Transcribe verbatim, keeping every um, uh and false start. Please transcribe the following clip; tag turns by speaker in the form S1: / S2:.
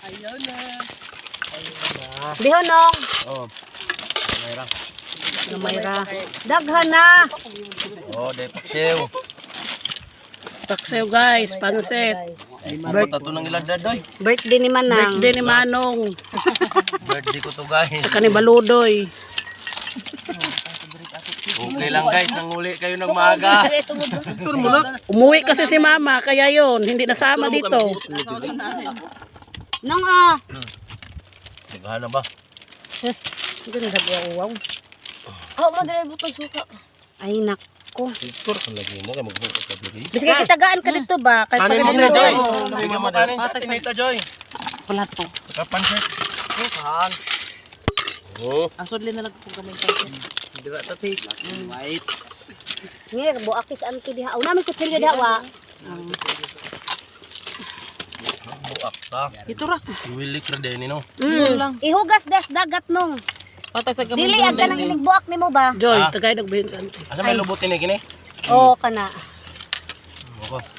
S1: Ayaw na.
S2: Bihonong.
S3: Oh. Mayra.
S2: Gamayra. Daghan na.
S3: Oh, day paksiw.
S1: Paksew guys, pansit.
S3: Bird ato nang ilagdad doy.
S2: Birthday ni Manang.
S1: Birthday ni Manong.
S3: Birthday ko to guys.
S1: Sa kanibaludoy.
S3: Okay lang guys, nanguli kayo ng maaga.
S1: Umuwi kasi si Mama, kaya yun, hindi nasama dito.
S2: Nong ah.
S3: Naghahan na ba?
S2: Sus, hindi na dabi ang uwaw.
S4: Oh, madre butang suka.
S2: Ay nako.
S3: Victor, ang lagi mo kay magbukas ka lagi.
S2: Bisig kitagaan ka dito ba? Kay
S3: Kanin mo
S2: pag
S3: na Joy. Bigyan mo kanin sa tinita Joy.
S1: Wala to.
S3: Kapan set? Saan? Oh.
S1: Asodli na lang kung kamay pansit.
S3: Dira tati. White.
S2: Ngi buakis anti diha. Una mi kutsilyo diha wa.
S3: Buak ta.
S1: Ito ra.
S3: Willy Credeni no.
S2: Mm. Ihugas des dagat nong.
S1: Patay sa gamay.
S2: Dili agka nang inigbuak nimo ba?
S1: Joy,
S3: Ah.
S1: tagay nagbahin sa anti.
S3: Asa may lubutin eh kini?
S2: Oo kana.
S3: Ako.